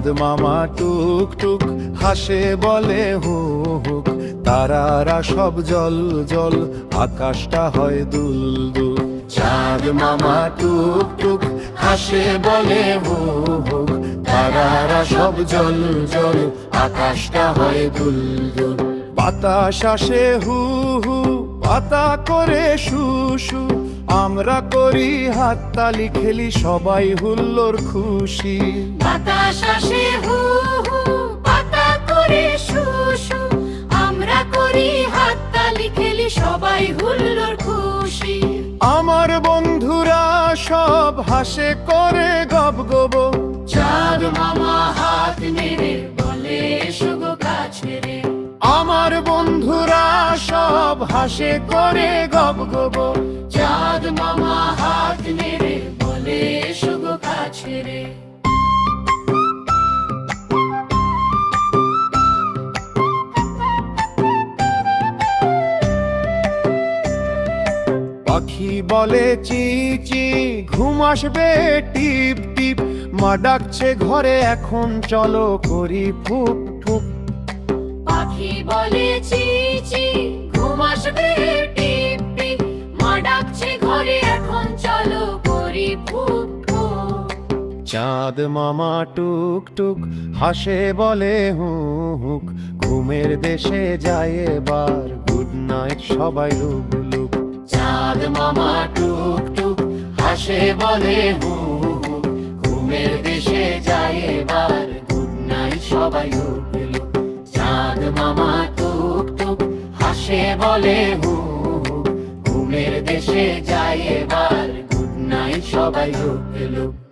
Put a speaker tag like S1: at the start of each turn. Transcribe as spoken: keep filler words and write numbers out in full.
S1: চাঁদ মামা টুক টুক হাসে বলে হু হুক, তারারা সব জল জল, আকাশটা হয় দুল দুল। চাঁদ মামা টুক টুক হাসে বলে হু হুক, তারারা সব জল জল, আকাশটা হয় দুল দুল। বাতাস আসে হু হু, পাতা করে শু শু, আমরা করি হাততালি, খেলি সবাই হুল্লোড় খুশি।
S2: বাতাস আসে হু হু, পাতা করে শু শু, আমরা করি হাততালি, খেলি সবাই হুল্লোড় খুশি।
S1: আমার বন্ধুরা সব হাসে করে গব গব,
S2: চাঁদ মামা হাত নেড়ে বলে এসো গো কাছে রে।
S1: আমার বন্ধুরা সব হাসে করে গব গব।
S2: চাঁদ মামা হাত নেড়ে বলে এসো গো কাছে রে।
S1: পাখি বলে চি চি, ঘুম আসবে টিপ টিপ, মা ডাকছে ঘরে এখন চলো করি ফুপ ফুপ।
S2: পাখি বলে চি চি, ঘুম আসবে টিপ টিপ, মা ডাকছে ঘরে এখন চলো করি ফুপ ফুপ।
S1: চাঁদ মামা টুক টুক হাসে বলে হু হুক, ঘুমের দেশে যায় এবার গুড নাইট সবাই লুক লুক।
S2: চাঁদ মামা টুক টুক হাসে বলে হু হু, ঘুমের দেশে যায় এবার গুড নাইট সবাই লুক লুক। চাঁদ মামা টুক টুক হাসে বলে হু হু, ঘুমের দেশে যায় এবার গুড নাইট সবাই লুক লুক।